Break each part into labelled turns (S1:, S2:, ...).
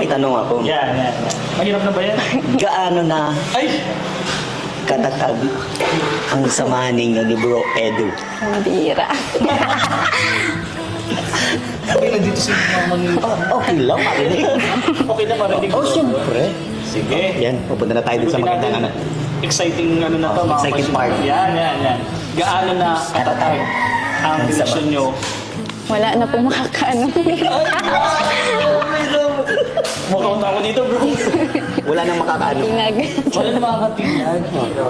S1: tanong ako.
S2: Yan. Mahirap na ba yan?
S1: Gaano na
S2: Ay!
S1: katatag ang samahan ninyo ni Bro Edu?
S3: Ang bira.
S2: Okay na dito si Mama ni...
S1: Okay lang, marinig.
S2: Okay na marinig.
S1: Oh, siyempre.
S2: Sige.
S1: Yan, pupunta na tayo dun sa magandang ano.
S2: Exciting ano na to,
S1: Oh,
S2: mga
S1: exciting
S2: question.
S1: part.
S2: Yan. Gaano na katatag ang relasyon nyo?
S3: Wala na po makakaano.
S2: Mukhang ako dito, bro.
S1: Wala nang makakaano.
S3: Tinag.
S2: Wala na makakatingnan.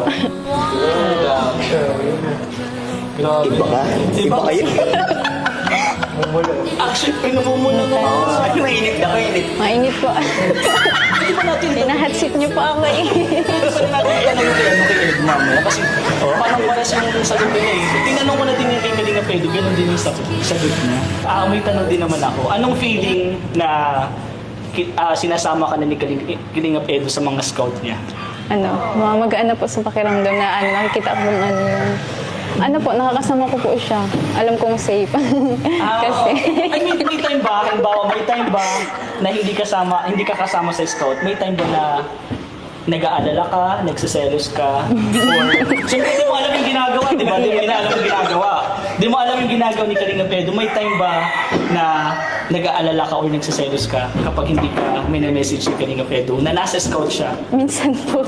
S1: Iba ka? Iba kayo?
S2: Actually, pinamumula na ako.
S1: Ay, mainit na, mainit.
S3: Mainit po.
S2: Hindi pa natin
S3: Hinahatsit niyo po ako eh.
S2: Pwede natin tanong kay ano kay Ed mamaya kasi parang pares yung sagot niya eh. Tinanong ko na din yung kay Kalinga Pedro, ganun din yung sagot niya. May tanong din naman ako. Anong feeling na sinasama ka na ni Kalinga Pedro sa mga scout niya?
S3: Magaan na po sa pakiramdam na nakikita ko yung po, nakakasama ko po siya. Alam kong safe. Kasi,
S2: I mean, may time ba, halimbawa, may time ba na hindi ka kasama sa scout? May time ba na nag-aalala ka, nagsiselos ka, or... Siyempre, di mo alam yung ginagawa, di ba? Di mo alam yung ginagawa. Di mo alam yung ginagawa ni Kalinga Pedro. May time ba na nag-aalala ka or nagsiselos ka kapag hindi ka minamessage ni Kalinga Pedro na nasa scout siya?
S3: minsan po.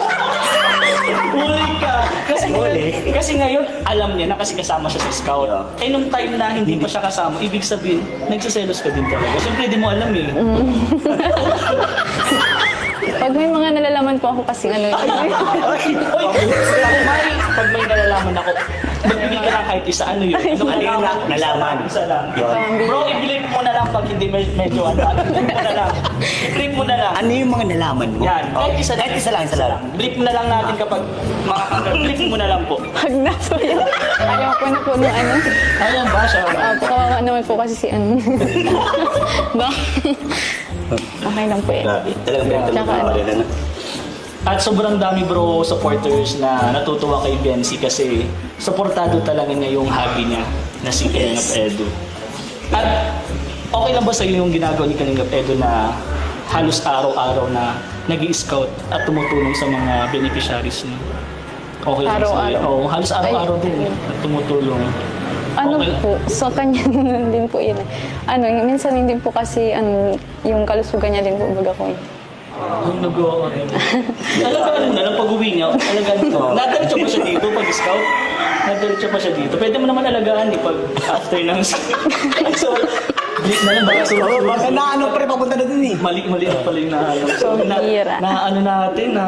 S2: Huli ka! Kasi ngayon, alam niya na kasi kasama siya sa scout. Eh nung time na hindi pa siya kasama, ibig sabihin, nagsiselos ka din talaga. Siyempre, di mo alam eh.
S3: Pag may mga nalalaman po ako kasi
S2: Oy, pag may nalalaman ako, magbigay ka lang kahit isa, ano yun?
S1: Ano yun na? Nalaman.
S2: Isa lang.
S1: Yun.
S2: Bro, i-blip mo na lang pag hindi medyo ano. I-blip mo na lang. I-blip mo na lang.
S1: Ano yung mga nalaman mo?
S2: Yan. Kahit isa lang.
S1: Kahit isa lang.
S2: Blip mo na lang natin kapag blip mo na lang po.
S3: pag nasa yun, ayaw ko na po nung
S2: Ayan ba siya?
S3: kawawa naman po kasi si ba? Okay lang po eh.
S1: Grabe. Talagang pinagtanong
S3: Tsaka
S1: ko
S3: ano?
S1: na.
S2: At sobrang dami bro supporters na natutuwa kay Benzi kasi supportado talaga niya yung hobby niya na si Kalingap Edu. At okay lang ba sa iyo yung ginagawa ni Kalingap Edu na halos araw-araw na nag-i-scout at tumutulong sa mga beneficiaries niya? Okay lang sa iyo?
S3: Araw-araw?
S2: Oo, halos araw-araw din at tumutulong. Okay lang.
S3: Po, sa kanya din po yun. Minsan hindi po kasi yung kalusugan niya din po baga ko.
S2: Ang nagawa rin. Alagaan mo na lang pag-uwi niya. Alagaan mo. Nadaritsa pa siya dito pag-scout. Nadaritsa pa siya dito. Pwede mo naman alagaan pag after ng... So, blip na lang.
S1: Baka na ano pre, papunta na dun eh.
S2: Mali pala yung naalam. So,
S3: Bira.
S2: natin na...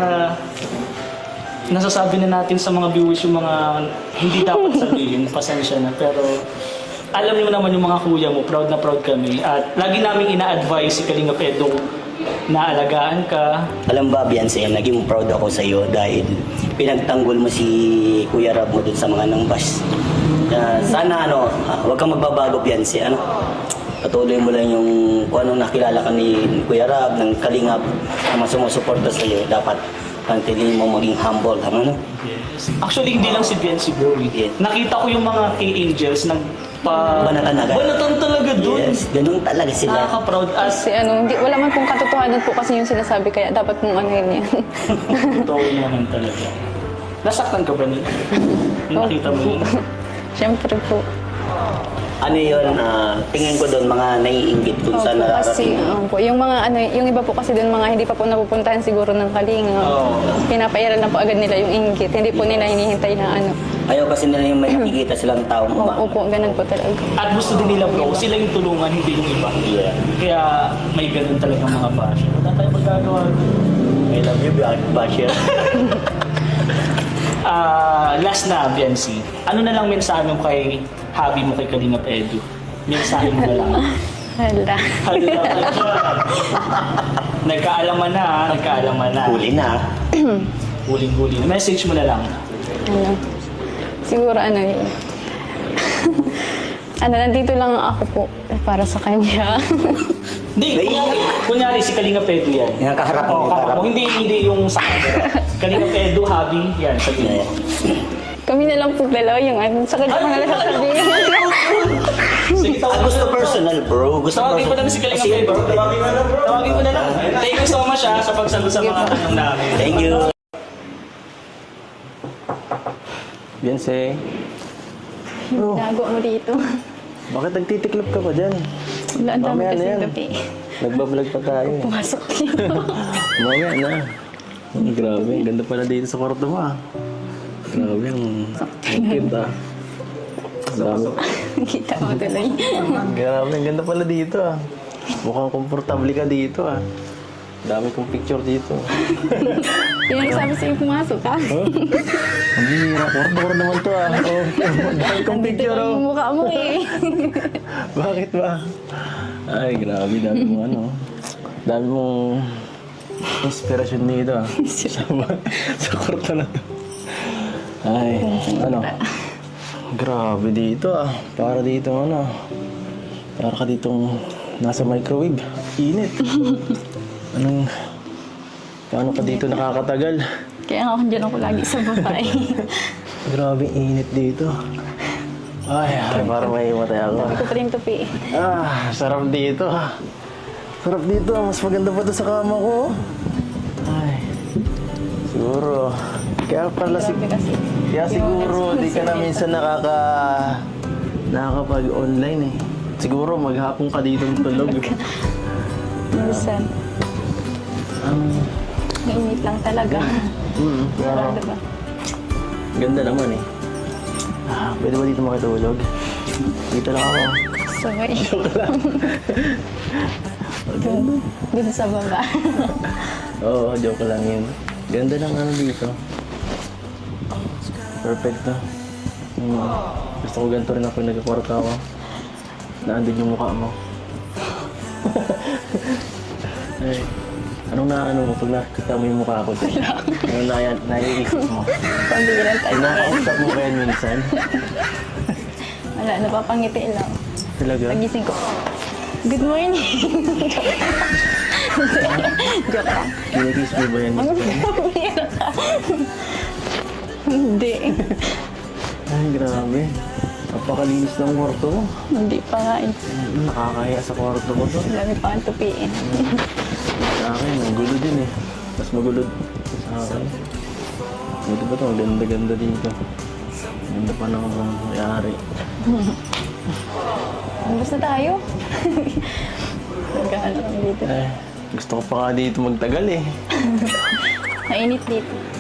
S2: Nasasabi na natin sa mga viewers yung mga hindi dapat sabihin. Pasensya na. Pero alam niyo naman yung mga kuya mo. Proud na proud kami. At lagi namin ina-advise si Kalinga Pedro na alagaan ka.
S1: Alam ba, Beyonce, naging proud ako sa iyo dahil pinagtanggol mo si Kuya Rab mo dun sa mga nangbas. Sana huwag kang magbabago, Beyonce. Patuloy mo lang yung kung anong nakilala ka ni Kuya Rab, ng Kalingap, na mga sumusuporta sa iyo. Dapat pantiliin mo maging humble.
S2: Yes. Actually, hindi lang si Biancy bro.
S1: Yeah.
S2: Nakita ko yung mga K-Angels
S1: Banatan agad.
S2: Banatan talaga dun.
S1: Yes, ganun talaga sila.
S2: Nakaka-proud as
S3: Kasi wala man pong katotohanan po kasi yung sinasabi kaya dapat pong yun yan.
S2: totoo naman talaga. Nasaktan ka ba nila? Yung nakita mo yun?
S3: Siyempre po.
S1: Ano yun, tingin ko doon mga naiinggit kung saan
S3: Kasi
S1: nararating.
S3: po, yung mga yung iba po kasi doon mga hindi pa po napupuntahan siguro ng Kalinga.
S2: Oo.
S3: Pinapairal na po agad nila yung inggit. Hindi po nila hinihintay na
S1: Ayaw kasi nila yung may nakikita silang taong
S3: Opo, ganun po talaga.
S2: At gusto din nila bro, sila yung tulungan, hindi yung iba.
S1: Yeah.
S2: Kaya may ganun talagang mga basher. Wala tayong magagawa.
S1: I love you, Basher.
S2: Last na, Biancy. Ano na lang mensahe mo kay hobby mo kay Kalingap Edu? Mensahe mo na lang.
S3: Hala.
S2: Nagkaalaman na,
S1: Huli na.
S2: Huling-huli na. Message mo na lang.
S3: Siguro yun. Nandito lang ako po para sa kanya.
S2: Hindi, kunyari si Kalingap Edu yan.
S1: Yung kaharap mo,
S2: kaharap mo. Hindi yung sa camera. Kalingap Edu, hobby, yan, sabihin mo.
S3: Kami na lang po dalawa yung sa kanya ko na lang sasabihin.
S2: Sige,
S1: Gusto personal, bro. Gusto
S2: Tawagin mo na lang si Kalingap Edu. Tawagin mo na lang. mo siya sa pagsagot sa mga tanong namin.
S1: Thank you.
S4: Beyonce,
S3: Ginagawa mo dito.
S4: bakit nagtitiklop ka pa dyan?
S3: Wala, ang dami
S4: Mamaya na
S3: kasi
S4: yan.
S3: gabi.
S4: Nagbablog pa tayo eh.
S3: Pumasok dito.
S4: Mamaya na. Grabe, ang ganda pala dito sa kwarto mo ah. Grabe, ang cute ah. Grabe,
S3: Kita mo tuloy.
S4: grabe, ang ganda pala dito ah. Mukhang komportable ka dito ah. Dami kong picture dito.
S3: Yung sabi sa'yo pumasok ka.
S4: Huh? Ang bihira, kwarto naman to ah. Oh, dami kong
S3: Dito
S4: picture
S3: lang
S4: oh.
S3: yung mukha mo eh.
S4: Bakit ba? Ay, grabe, dami mong ano. Dami mong inspirasyon dito ah. sa kwarto na to. Ay, ano. Grabe dito ah. Para dito ano. Para ka ditong nasa microwave. Init. Anong... Paano ka dito nakakatagal?
S3: Kaya nga dyan ako lagi sa babae.
S4: Grabe init dito. Ay, para may matay ako.
S3: Sabi ko pa rin tupi.
S4: Ah, sarap dito ah. Sarap dito. Mas maganda pa to sa kama ko. Ay, siguro. Kaya pala
S3: Grabe kasi.
S4: Kaya siguro di ka na minsan nakakapag-online eh. Siguro maghapon ka dito tulog.
S3: Minsan. Mainit lang talaga.
S4: Wow.
S3: Diba?
S4: Ganda naman eh. Ah, pwede ba dito makitulog? Dito lang ako.
S3: Sabay. Dun sa baba.
S4: Oo, joke lang yun. Ganda ng ano dito. Perfecto. Gusto ko ganito rin ako pag nagkakwarta ako. Naandun yung mukha mo. Ay, anong naano mo pag nakita mo yung mukha ko? Anong naiisip mo?
S3: Pambiran tayo.
S4: Kinakausap mo ba yan minsan?
S3: Wala, napapangiti lang.
S4: Talaga?
S3: Pagising ko. Good morning. Joke lang.
S4: Kinikiss mo ba yan?
S3: Ang pambira ka. Hindi.
S4: Ay, grabe. Napakalinis ng kwarto mo.
S3: Hindi pa nga eh.
S4: Nakakahiya sa kwarto ko to.
S3: Dami pa ang tupiin.
S4: Sa akin, ang gulo din eh. Mas magulo sa akin. Ito ba ito? Ang ganda-ganda dito. Ang ganda pa ng may-ari.
S3: Bus na tayo. Nagkano kami dito.
S4: Ay, gusto ko pa nga dito magtagal eh.
S3: Mainit dito.